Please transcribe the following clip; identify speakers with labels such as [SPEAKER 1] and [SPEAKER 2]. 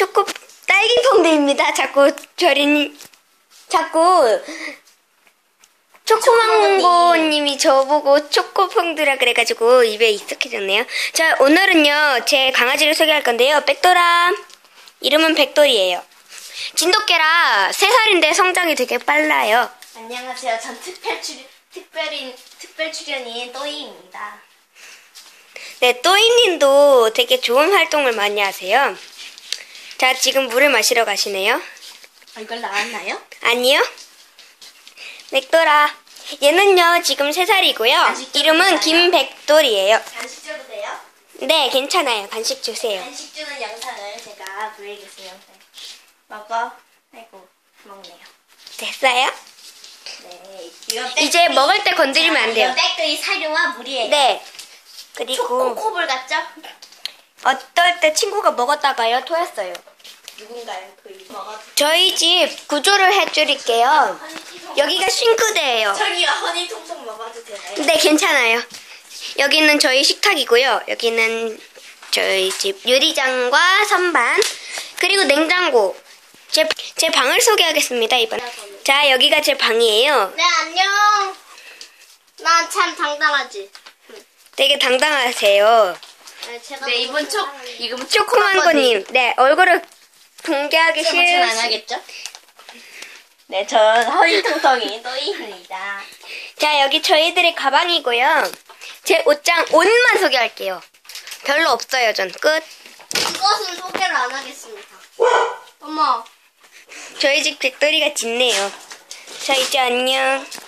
[SPEAKER 1] 딸기퐁드입니다. 자꾸 초코망고님이 저보고 초코퐁드라 그래가지고 입에 익숙해졌네요. 자, 오늘은요, 제 강아지를 소개할 건데요. 백돌아. 이름은 백돌이에요. 진돗개라 3살인데 성장이 되게 빨라요.
[SPEAKER 2] 안녕하세요. 전 특별 출연인 또이입니다.
[SPEAKER 1] 네, 또이님도 되게 좋은 활동을 많이 하세요. 자, 지금 물을 마시러 가시네요.
[SPEAKER 2] 얼굴 나왔나요?
[SPEAKER 1] 아니요. 백돌아. 얘는요, 지금 3살이고요.
[SPEAKER 2] 간식
[SPEAKER 1] 이름은
[SPEAKER 2] 주나요?
[SPEAKER 1] 김백돌이에요.
[SPEAKER 2] 간식 줘도 돼요?
[SPEAKER 1] 네, 괜찮아요. 간식 주세요.
[SPEAKER 2] 간식 주는 영상을 제가 보여주겠어요. 먹어. 아이고, 먹네요.
[SPEAKER 1] 됐어요?
[SPEAKER 2] 네.
[SPEAKER 1] 이제 먹을 때 건드리면 안 돼요.
[SPEAKER 2] 이건 백돌이 사료와 물이에요.
[SPEAKER 1] 네. 그리고
[SPEAKER 2] 초코볼 같죠?
[SPEAKER 1] 어떨 때 친구가 먹었다가요, 토했어요.
[SPEAKER 2] 누군가요? 그 먹어.
[SPEAKER 1] 저희 집 구조를 해드릴게요. 여기가 싱크대예요.
[SPEAKER 2] 저기요, 허니 통통 먹어도 되나요?
[SPEAKER 1] 네, 괜찮아요. 여기는 저희 식탁이고요. 여기는 저희 집 유리장과 선반, 그리고 냉장고. 제 방을 소개하겠습니다, 이번에. 자, 여기가 제 방이에요.
[SPEAKER 2] 네, 안녕. 난 참 당당하지.
[SPEAKER 1] 되게 당당하세요.
[SPEAKER 2] 네, 이번
[SPEAKER 1] 초코망고님. 네, 얼굴을 공개하기
[SPEAKER 2] 안
[SPEAKER 1] 싫으시...
[SPEAKER 2] 하겠죠? 네, 전 허니통통이 또이입니다.
[SPEAKER 1] 자, 여기 저희들의 가방이고요. 제 옷만 소개할게요. 별로 없어요, 전. 끝.
[SPEAKER 2] 이것은 소개를 안 하겠습니다. 어머.
[SPEAKER 1] 저희 집 백돌이가 짖네요. 자, 이제 안녕.